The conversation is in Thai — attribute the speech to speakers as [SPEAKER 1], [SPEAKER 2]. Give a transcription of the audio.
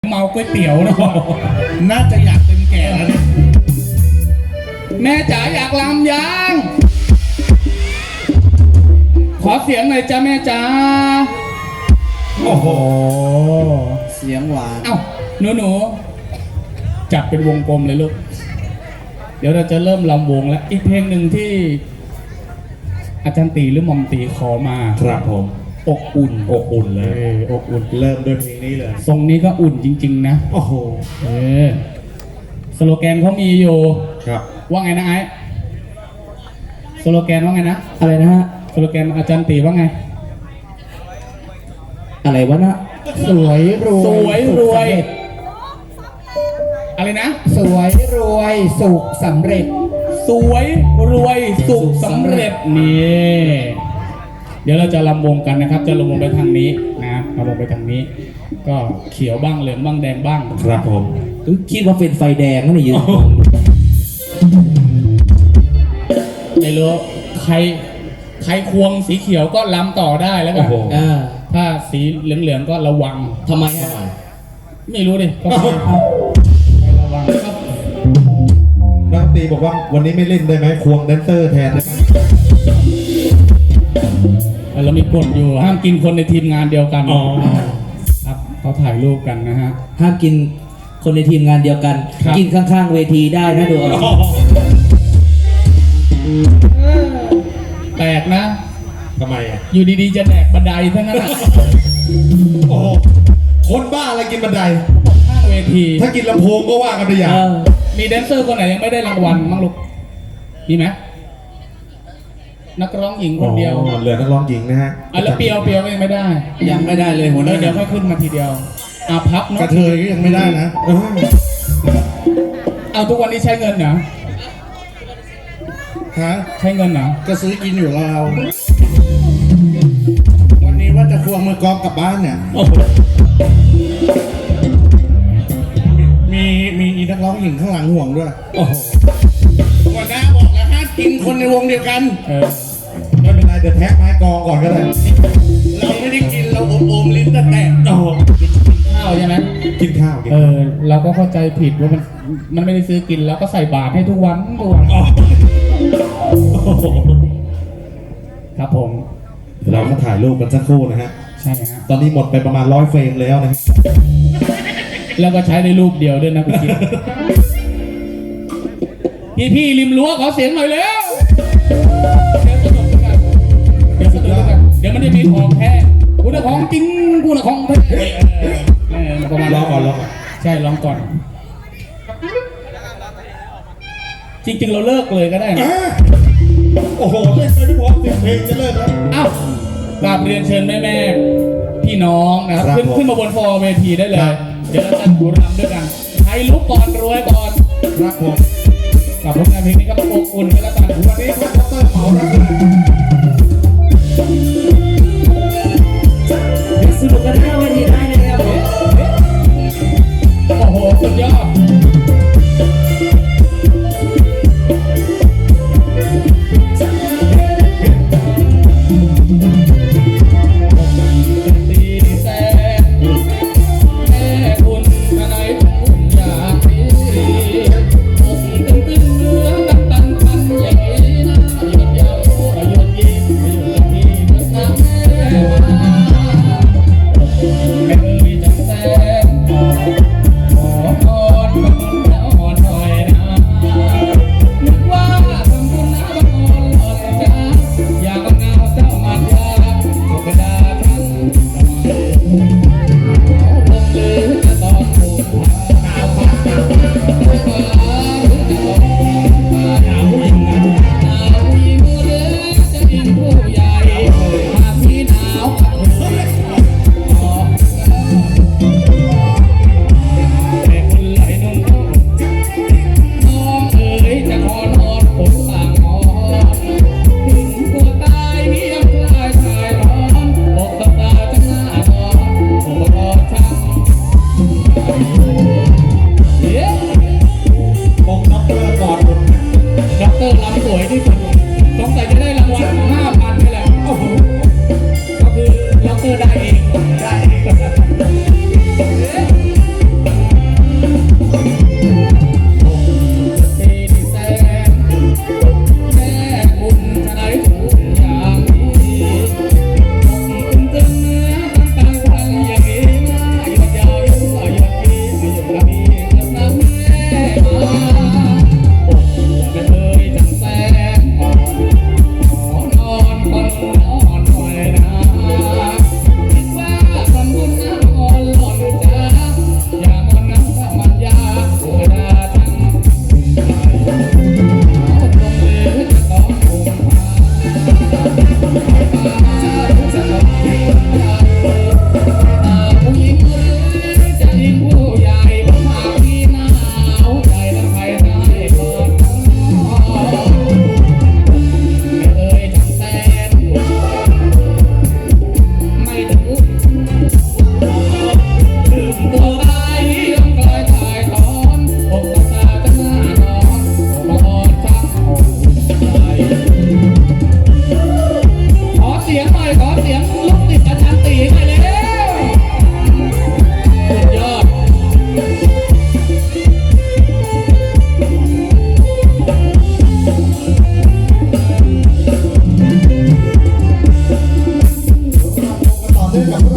[SPEAKER 1] เมาก๋วยเตี๋ยวนะ
[SPEAKER 2] น่าจะอยากเป็นแก่แล้วเนี่ย
[SPEAKER 1] แม่จ๋าอยากลำยังขอเสียงหน่อยจ้าแม่จ๋า
[SPEAKER 2] โอ้โห
[SPEAKER 3] เสียงหวาน
[SPEAKER 1] เอ้าหนูจับเป็นวงกลมเลยลูกเดี๋ยวเราจะเริ่มลำวงแล้วอีกเพลงหนึ่งที่อาจารย์ตีหรือหม่อมตีขอมา
[SPEAKER 2] ครับผม
[SPEAKER 1] อกอุ่น
[SPEAKER 2] อบอุ่นเลย
[SPEAKER 1] อกอุ่น
[SPEAKER 2] เริ่มด้วยเพลงนี้เลย
[SPEAKER 1] ทรงนี้ก็อุ่นจริงๆนะ
[SPEAKER 2] โอ้โห
[SPEAKER 1] สโลแกนเขามีอยู่
[SPEAKER 2] ครับ
[SPEAKER 1] ว่าไงนะไอ้สโลแกนว่าไงนะ
[SPEAKER 3] อะไรนะฮะ
[SPEAKER 1] สโลแกนอาจารย์ตีว่าไง
[SPEAKER 3] อะไรวะนะสวยรวย
[SPEAKER 1] สวยรวย อะไรนะ
[SPEAKER 3] สวยรวยสุขสำเร็จ
[SPEAKER 1] สวยรวยสุขสำเร็จนี่เดี๋ยวเราจะลำวงกันนะครับ จะลำวงไปทางนี้นะลำวงไปทางนี้ ก็เขียวบ้างเหลืองบ้างแดงบ้าง
[SPEAKER 2] ครับผม
[SPEAKER 3] คิดว่าเป็นไฟแดงนั่นยืน
[SPEAKER 1] ไม่รู้ใครควงสีเขียวก็ลำต่อได้แล้วกั
[SPEAKER 2] โอ้
[SPEAKER 1] น
[SPEAKER 2] โห
[SPEAKER 1] ถ้าสีเหลืองๆก็ระวัง
[SPEAKER 3] ทำไมฮะ
[SPEAKER 1] ไม่รู้ดิก็ไประวังครับ
[SPEAKER 2] นักดนตรีบอกว่าวันนี้ไม่เล่นได้ไหมควงแดนเซอร์แทนได้ไหม
[SPEAKER 1] เรามีกฎอยู่ห้ามกินคนในทีมงานเดียวกันครับเขาถ่ายรูปกันนะฮะ
[SPEAKER 3] ห้ามกินคนในทีมงานเดียวกัน
[SPEAKER 1] ครับ
[SPEAKER 3] กินข้างๆเวทีได้นะดูเอา
[SPEAKER 1] แปลกนะ
[SPEAKER 2] ทำไมอ่ะ
[SPEAKER 1] อยู่ดีๆจะแดกบันไดทั้งนั้นอะ
[SPEAKER 2] โอ้โหคนบ้าอะไรกินบันได
[SPEAKER 1] ข้างเวที
[SPEAKER 2] ถ้ากินลำโพงก็ว่ากันไปอย่าง
[SPEAKER 1] มีแดนเซอร์คนไหนยังไม่ได้รางวัลมั้งลูกมีไหมนักร้องหญิงคนเดียว
[SPEAKER 2] อ๋อเหลือนักร้องหญิงนะฮะ
[SPEAKER 1] แล้วเปียวก็ยังไม่ได้
[SPEAKER 3] ยังไม่ได้เลยหัวหน้า
[SPEAKER 1] เดี๋ยวค่อยขึ้นมาทีเดียวพับ
[SPEAKER 2] ก
[SPEAKER 1] เนาะ
[SPEAKER 2] ระเทยก็ยังไม่ได้นะ
[SPEAKER 1] เอาทุกวันนี้ใช้เงินเหรอ
[SPEAKER 2] ฮะ
[SPEAKER 1] ใช้เงินเหรอ
[SPEAKER 2] ก็ซื้อกินอยู่เรา วันนี้ว่าจะควงมือกองกลับบ้านเนี่ย มีอีนักร้องหญิงข้างหลังห่วงด้วย
[SPEAKER 1] โอ้โห
[SPEAKER 2] หัวหน้าบอกแล้วห้ามกินคนในวงเดียวกัน ไม่เป็นไรเดี๋ยวแท็กไม้กองก่อนก็ได้ เราไม่ได้กินเราอมลิ้นแต่แตกโอ้โห
[SPEAKER 1] ข้าวใช่ไหม
[SPEAKER 2] กินข้าวกิน
[SPEAKER 1] เราก็เข้าใจผิดว่ามันไม่ได้ซื้อกินแล้วก็ใส่บาตรให้ทุกวันครับผม
[SPEAKER 2] เรามาถ่ายรูปกันสักครู่นะฮะ
[SPEAKER 1] ใช่ฮะ
[SPEAKER 2] ตอนนี้หมดไปประมาณ100 เฟรมแล้วนะ
[SPEAKER 1] แล้วก็ใช้ได้รูปเดียวด้วยนะคุณกิ๊กพี่ริมรั้วขอเสียงหน่อยเร็วเดี๋ยวสนุกกันเดี๋ยวมันจะมีของแท้กูน่ะของจริงกูน่ะของแท้ประมาณ
[SPEAKER 2] รอก่อนรอก่อน
[SPEAKER 1] ใช่ลองก่อน จริงๆเราเลิกเลยก็ได้นะ
[SPEAKER 2] โอ้โหเล่นไปไม่พอ10 เพลงจะเลิกแล้ว
[SPEAKER 1] อ้าวกราบเรียนเชิญแม่พี่น้องนะครับ
[SPEAKER 2] ครับ
[SPEAKER 1] ขึ้นมาบนฟอร์เวทีได้เลย
[SPEAKER 2] ครับ
[SPEAKER 1] เดี๋ยวเราจะดูรำด้วยกันใครลุกก่อนรวยก่อน
[SPEAKER 2] ครับผม
[SPEAKER 1] กับผลงานเพลงนี้ก็อบอุ่นกันแล้วกันวันนี้พวกดรเหมาแล้ว